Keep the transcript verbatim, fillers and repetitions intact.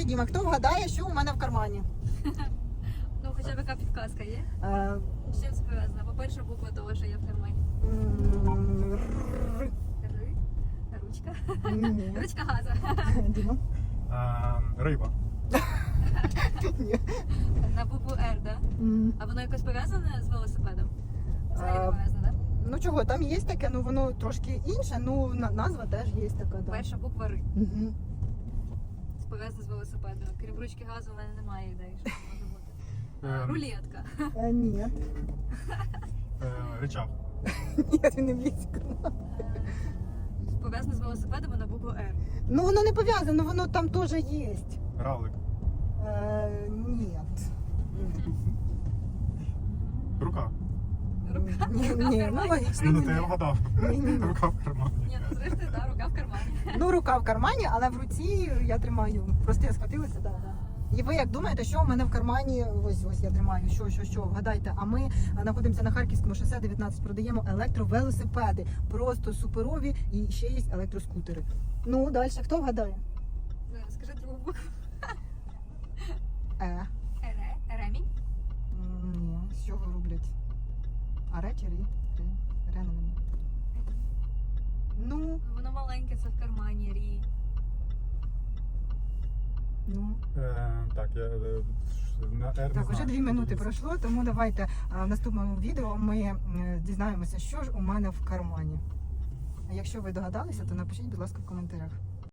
Діма, хто вгадає, що у мене в кармані? Ну, хоча б яка підказка є? Е, З чим пов'язана? По-перше, буква того, що є в кармані. м, р- Ри. Ручка. Ні. Ручка газа. Діма? Е, риба. Ні. На букву Р, да? М, А воно якось пов'язане з велосипедом? Взагалі А, не пов'язане, да? Ну чого, там є таке, ну воно трошки інше, ну на- назва теж є така, да. Перша буква Р. Мгм. Пов'язана з велосипедом. Крім ручки газу, в мене немає ідеї, що це може бути. Е, Рулетка. Е, Ні. е, Ричаг. Ні, він не близько. Пов'язана з велосипедом на букву Р. Ну воно не пов'язано, воно там теж є. Равлик. Е, ні. Рука. Рука. Ні, Рука в ні, ну кармані. логічно. Ну, то я вгадав. Ні, ні, ні. Рука в кармані. Ні, ну зрештою, да, рука в кармані. Ну, рука в кармані, але в руці я тримаю. Просто я схватилася, да, да. І ви як думаєте, що у мене в кармані? Ось ось я тримаю. Що, що, що? Вгадайте. А ми а, знаходимося на Харківському шосе дев'ятнадцять. Продаємо електровелосипеди. Просто суперові і ще є електроскутери. Ну, далі хто вгадає? Ну, скажи другу букву. Е. Ере. Ремінь. М, Ні, з чого роблять? Аре чи рі? Ре. Ре, не мені. Ну, Воно маленьке, це в кармані, рі. ну. Е, так, я е, на Р не Так, вже знаю, дві що минути дивіться. пройшло, тому давайте а, в наступному відео ми е, дізнаємося, що ж у мене в кармані. А якщо ви догадалися, то напишіть, будь ласка, в коментарях.